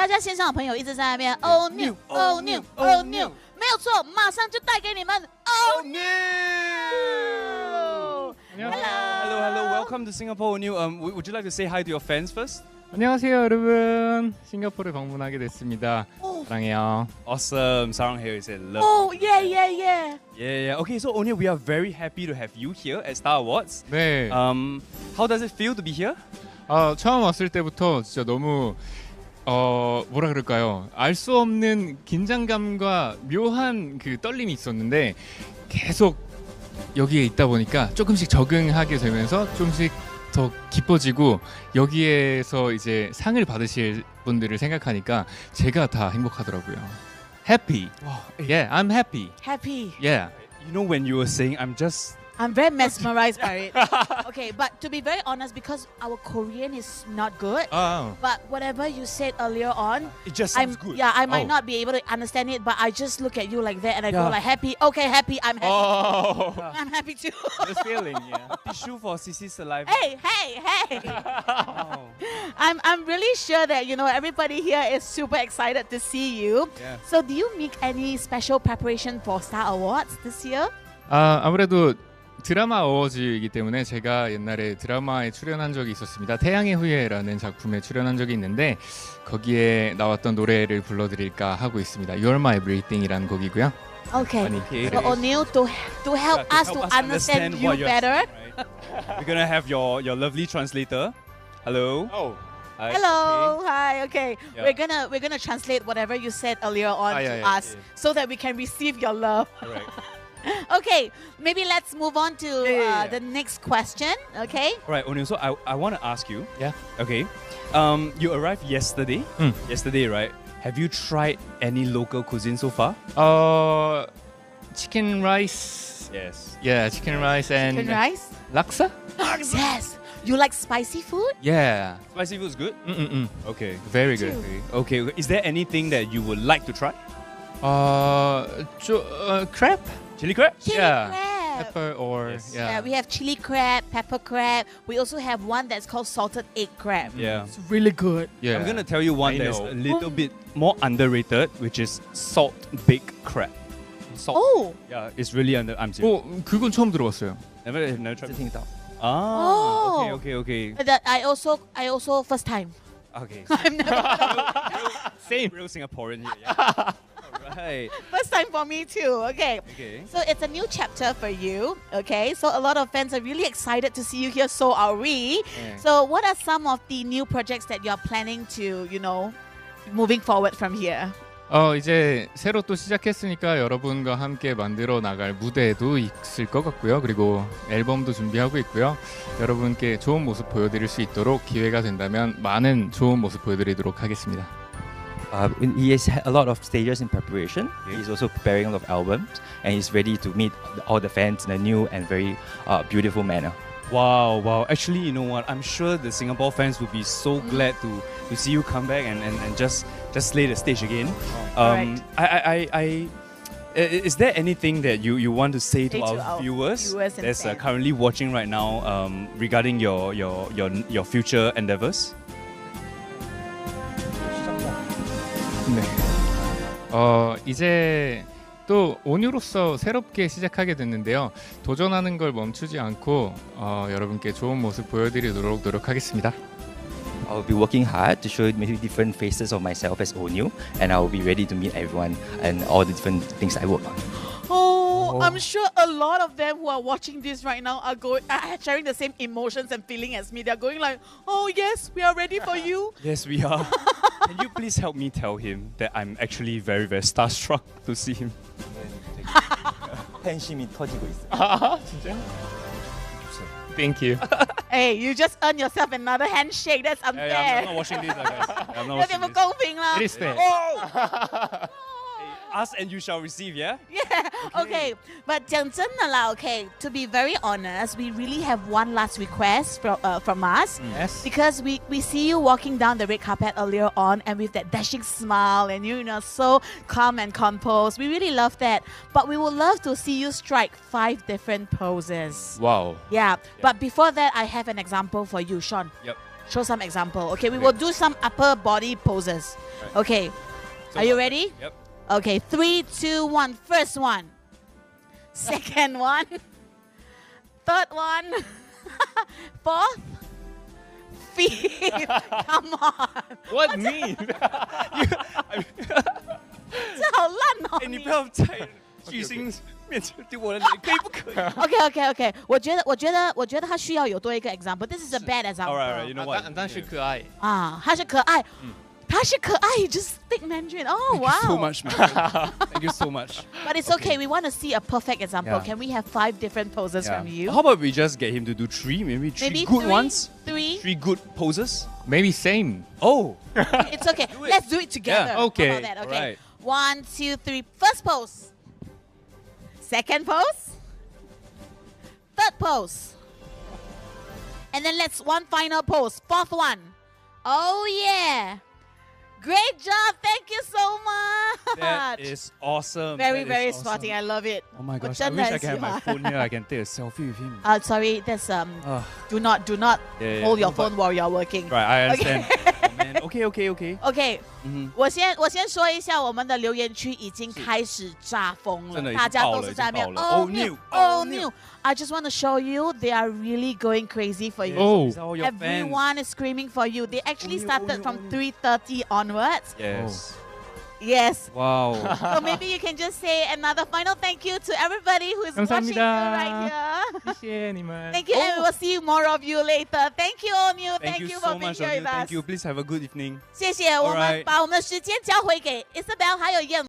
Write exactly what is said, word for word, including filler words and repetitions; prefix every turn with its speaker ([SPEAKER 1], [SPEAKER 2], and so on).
[SPEAKER 1] 大家线上的朋友一直在那边 Oh new Oh new Oh new 没有错，马上就带给你们 Oh new
[SPEAKER 2] Hello
[SPEAKER 3] Hello hello welcome to Singapore New um would would you like to say hi to your fans first?
[SPEAKER 2] 안녕하세요 여러분. 싱가포르 방문하게 됐습니다. 사랑해요.
[SPEAKER 3] Awesome. Sarang here is love.
[SPEAKER 1] Oh yeah yeah yeah
[SPEAKER 3] Yeah yeah. Okay, so O'Neil, we are very happy to have you here at Star Awards.
[SPEAKER 2] 네.
[SPEAKER 3] Um how does it feel to be here?
[SPEAKER 2] 아, 처음 왔을 때부터 진짜 너무 어 뭐라 그럴까요? 알 수 없는 긴장감과 묘한 그 떨림이 있었는데 계속 여기에 있다 보니까 조금씩 적응하게 되면서 조금씩 더 기뻐지고 여기에서 이제 상을 받으실 분들을 생각하니까 제가 다 행복하더라고요. Happy. Yeah, I'm happy.
[SPEAKER 1] Happy
[SPEAKER 2] Yeah.
[SPEAKER 3] You know when you were saying I'm just
[SPEAKER 1] I'm very mesmerized by it. Okay, but to be very honest, because our Korean is not good,
[SPEAKER 2] 아,
[SPEAKER 1] but whatever you said earlier on,
[SPEAKER 3] it just
[SPEAKER 1] I'm
[SPEAKER 3] sounds good.
[SPEAKER 1] yeah, I might
[SPEAKER 2] Oh.
[SPEAKER 1] not be able to understand it, but I just look at you like that and I go
[SPEAKER 3] Yeah.
[SPEAKER 1] like happy. Okay, happy. I'm happy.
[SPEAKER 2] oh.
[SPEAKER 1] I'm happy too.
[SPEAKER 2] This feeling, yeah.
[SPEAKER 3] Tissue for Sisi's saliva.
[SPEAKER 1] Hey, hey, hey!
[SPEAKER 3] Wow.
[SPEAKER 1] I'm I'm really sure that you know everybody here is super excited to see you.
[SPEAKER 3] Yeah.
[SPEAKER 1] So, do you make any special preparation for Star Awards this year?
[SPEAKER 2] 아, 아무래도 드라마 어워즈이기 때문에 제가 옛날에 드라마에 출연한 적이 있었습니다. 태양의 후예라는 작품에 출연한 적이 있는데 거기에 나왔던 노래를 불러드릴까 하고 있습니다. You're My Everything이라는 곡이고요.
[SPEAKER 1] Okay.
[SPEAKER 3] Okay.
[SPEAKER 1] So O'Neil, to to help
[SPEAKER 3] Yeah,
[SPEAKER 1] us to understand, you
[SPEAKER 3] what you're
[SPEAKER 1] better.
[SPEAKER 3] saying, right? We're gonna have your your lovely translator. Hello.
[SPEAKER 2] Oh.
[SPEAKER 3] Hi.
[SPEAKER 1] Hello, hi. Okay,
[SPEAKER 3] Yeah.
[SPEAKER 1] we're gonna we're gonna translate whatever you said earlier on
[SPEAKER 2] Ah,
[SPEAKER 1] to
[SPEAKER 2] yeah, yeah,
[SPEAKER 1] us,
[SPEAKER 3] yeah.
[SPEAKER 1] so that we can receive your love.
[SPEAKER 3] Okay. All right.
[SPEAKER 1] Okay, maybe let's move on to
[SPEAKER 3] Yeah, yeah,
[SPEAKER 1] uh,
[SPEAKER 3] yeah.
[SPEAKER 1] the next question. Okay.
[SPEAKER 3] All right, O'Neil. So I I want to ask you.
[SPEAKER 2] Yeah.
[SPEAKER 3] Okay. Um, you arrived yesterday.
[SPEAKER 2] Mm.
[SPEAKER 3] Yesterday, right? Have you tried any local cuisine so far?
[SPEAKER 2] 어, 치킨 라이스.
[SPEAKER 3] Yes.
[SPEAKER 2] Yeah, chicken rice and
[SPEAKER 1] Chicken rice.
[SPEAKER 2] 락사?
[SPEAKER 1] Yes. You like spicy food?
[SPEAKER 2] Yeah.
[SPEAKER 3] Spicy food is good.
[SPEAKER 2] 음, 음, 음.
[SPEAKER 3] Okay.
[SPEAKER 2] Very good.
[SPEAKER 3] Okay. Okay. Is there anything that you would like to try?
[SPEAKER 2] 어, 저, 어, crab?
[SPEAKER 3] Chili crab?
[SPEAKER 1] Chili
[SPEAKER 2] Yeah.
[SPEAKER 1] crab.
[SPEAKER 2] Pepper or
[SPEAKER 3] Yes.
[SPEAKER 1] Yeah,
[SPEAKER 2] yeah.
[SPEAKER 1] we have chili crab, pepper crab. We also have one that's called salted egg crab.
[SPEAKER 3] Yeah.
[SPEAKER 1] It's really good.
[SPEAKER 2] yeah.
[SPEAKER 3] I'm gonna tell you one
[SPEAKER 2] I
[SPEAKER 3] that's
[SPEAKER 2] know.
[SPEAKER 3] a little bit more underrated, which is salt baked crab. Salt.
[SPEAKER 1] Oh.
[SPEAKER 3] Yeah, it's really under. I'm serious.
[SPEAKER 2] 어, 그건 처음 들어봤어요.
[SPEAKER 3] Never, never tried.
[SPEAKER 4] 是听到。
[SPEAKER 3] Ah.
[SPEAKER 1] Oh.
[SPEAKER 3] Okay. Okay. Okay.
[SPEAKER 1] But that I also I also first time.
[SPEAKER 3] Okay.
[SPEAKER 1] I've never
[SPEAKER 2] Same.
[SPEAKER 3] Real Singaporean here. Yeah. Alright.
[SPEAKER 1] first time for me too. Okay.
[SPEAKER 3] Okay.
[SPEAKER 1] So it's a new chapter for you. Okay. So a lot of fans are really excited to see you here. So are we.
[SPEAKER 2] 네.
[SPEAKER 1] So what are some of the new projects that you're planning to, you know, moving forward from here?
[SPEAKER 2] 어, 이제 새로 또 시작했으니까 여러분과 함께 만들어 나갈 무대도 있을 것 같고요. 그리고 앨범도 준비하고 있고요. 여러분께 좋은 모습 보여드릴 수 있도록 기회가 된다면 많은 좋은 모습 보여드리도록 하겠습니다.
[SPEAKER 4] Uh, he has had a lot of stages in preparation. He's also preparing a lot of albums, and he's ready to meet all the fans in a new and very uh, beautiful manner.
[SPEAKER 3] Wow, wow. Actually, you know what? I'm sure the Singapore fans will be so glad to, to see you come back and, and, and just just slay the stage again. Um, I, I, I, I, i- is there anything that you, you want to say to
[SPEAKER 1] Say
[SPEAKER 3] our,
[SPEAKER 1] to our
[SPEAKER 3] viewers,
[SPEAKER 1] viewers and
[SPEAKER 3] that's uh,
[SPEAKER 1] fans.
[SPEAKER 3] currently watching right now um, regarding your, your, your, your future endeavors?
[SPEAKER 2] 네. 어, 이제 또 온유로서 새롭게 시작하게 됐는데요. 도전하는 걸 멈추지 않고 어, 여러분께 좋은 모습 보여드리도록 노력하겠습니다.
[SPEAKER 4] I'll be working hard to show maybe different faces of myself as O'Neil, and I'll be ready to meet everyone and all the different things I work on.
[SPEAKER 1] Oh, I'm sure a lot of them who are watching this right now are going are sharing the same emotions and feeling as me. They're going like, "Oh yes, we are ready for you."
[SPEAKER 3] Yes, we are. Can you please help me tell him that I'm actually very, very starstruck to see him?
[SPEAKER 4] 팬심이 터지고 있어요.
[SPEAKER 2] 아, 진짜요? Thank you.
[SPEAKER 1] Hey, you just earned yourself another handshake. That's
[SPEAKER 3] Yeah, yeah, I'm, I'm
[SPEAKER 1] unfair.
[SPEAKER 3] not watching this, uh, guys. Yeah, I'm not
[SPEAKER 1] 有点
[SPEAKER 3] watching
[SPEAKER 1] 不
[SPEAKER 3] this.
[SPEAKER 1] 公平啦。
[SPEAKER 2] It is fair.
[SPEAKER 3] Hey, ask and you shall receive, yeah?
[SPEAKER 1] Yeah. Okay. But 讲真的啦 okay, to be very honest, we really have one last request from uh, from us.
[SPEAKER 2] Yes.
[SPEAKER 1] Because we, we see you walking down the red carpet earlier on and with that dashing smile and you know so calm and composed. We really love that. But we would love to see you strike five different poses.
[SPEAKER 2] 와우.
[SPEAKER 1] Yeah. But before that, I have an example for you, Sean.
[SPEAKER 3] Yep.
[SPEAKER 1] show some example. Okay, we will do some upper body poses.
[SPEAKER 3] Right.
[SPEAKER 1] Okay,
[SPEAKER 3] So
[SPEAKER 1] are you
[SPEAKER 3] what-
[SPEAKER 1] ready?
[SPEAKER 3] Yep.
[SPEAKER 1] Okay, three, two, one. First one. Second one. Third one. Fourth. Fifth. Come on.
[SPEAKER 2] What me?
[SPEAKER 1] 这好烂哦！
[SPEAKER 3] 哎，你
[SPEAKER 1] 你
[SPEAKER 3] 不要在巨星面前丢我的脸，可以不可以
[SPEAKER 1] OK OK OK，我觉得我觉得我觉得他需要有多一个 example。This is a bad example。
[SPEAKER 3] ？Alright, alright, you know what?
[SPEAKER 2] 但但是可爱。
[SPEAKER 1] 啊，他是可爱，他是可爱，just speak Mandarin. Oh wow.
[SPEAKER 3] So much, man. Thank you so much.
[SPEAKER 1] But it's okay. We want to see a perfect example.
[SPEAKER 3] Yeah.
[SPEAKER 1] Can we have five different poses
[SPEAKER 3] Yeah.
[SPEAKER 1] from you?
[SPEAKER 3] How about we just get him to do three, maybe three
[SPEAKER 1] Maybe
[SPEAKER 3] good
[SPEAKER 1] three,
[SPEAKER 3] ones,
[SPEAKER 1] Three.
[SPEAKER 3] three good poses.
[SPEAKER 2] Maybe same.
[SPEAKER 3] Oh,
[SPEAKER 1] It's okay.
[SPEAKER 3] Do it.
[SPEAKER 1] Let's do it together.
[SPEAKER 3] Yeah.
[SPEAKER 1] How
[SPEAKER 2] Okay.
[SPEAKER 1] about that? Okay.
[SPEAKER 3] Alright.
[SPEAKER 1] One, two, three. First pose. Second pose. Third pose. And then let's one final pose. Fourth one. Oh yeah. Great job. Thank you so much.
[SPEAKER 3] that is awesome.
[SPEAKER 1] very,
[SPEAKER 3] That is
[SPEAKER 1] very
[SPEAKER 3] awesome.
[SPEAKER 1] sporting. I love it.
[SPEAKER 3] Oh my
[SPEAKER 1] 我
[SPEAKER 3] gosh, I
[SPEAKER 1] 真的
[SPEAKER 3] wish I
[SPEAKER 1] 很
[SPEAKER 3] can have
[SPEAKER 1] 喜
[SPEAKER 3] my
[SPEAKER 1] 欢。
[SPEAKER 3] phone here. I can take a selfie with him.
[SPEAKER 1] Uh, sorry, that's um.
[SPEAKER 3] Ah,
[SPEAKER 1] Do not, do not
[SPEAKER 3] yeah, yeah,
[SPEAKER 1] hold your
[SPEAKER 3] no, but-
[SPEAKER 1] phone while you're working.
[SPEAKER 3] right, I understand. Oh, man. Okay, okay, okay.
[SPEAKER 1] OK，
[SPEAKER 3] Mhm.
[SPEAKER 1] 我先我先说一下，我们的留言区已经开始炸疯了，
[SPEAKER 3] 真的已经
[SPEAKER 1] 大家
[SPEAKER 3] 爆了
[SPEAKER 1] 都是在那边
[SPEAKER 3] 已经爆了
[SPEAKER 1] Oh
[SPEAKER 3] Oh,
[SPEAKER 1] new,
[SPEAKER 3] new,
[SPEAKER 1] oh
[SPEAKER 3] oh,
[SPEAKER 1] new.
[SPEAKER 3] new.
[SPEAKER 1] I just want to show you they are really going crazy for you.
[SPEAKER 2] Oh.
[SPEAKER 3] These are all your fans.
[SPEAKER 1] Everyone is screaming for you. They actually
[SPEAKER 3] Oh, new,
[SPEAKER 1] started
[SPEAKER 3] oh, new,
[SPEAKER 1] from
[SPEAKER 3] oh, new.
[SPEAKER 1] three thirty onwards.
[SPEAKER 3] Yes.
[SPEAKER 1] Yes.
[SPEAKER 3] Wow.
[SPEAKER 1] So maybe you can just say another final thank you to everybody who is watching you
[SPEAKER 2] 감사합니다.
[SPEAKER 1] right here.
[SPEAKER 2] 谢谢你们。
[SPEAKER 1] Thank you, and we will see more of you later. Thank you, all new.
[SPEAKER 3] Thank
[SPEAKER 1] Thank
[SPEAKER 3] you
[SPEAKER 1] you
[SPEAKER 3] so
[SPEAKER 1] for being
[SPEAKER 3] much,
[SPEAKER 1] here
[SPEAKER 3] O'Neil.
[SPEAKER 1] with us.
[SPEAKER 3] Thank you. Please have a good evening.
[SPEAKER 1] 谢谢，我们
[SPEAKER 3] Alright.
[SPEAKER 1] 把我们的时间交回给 Isabel 还有燕。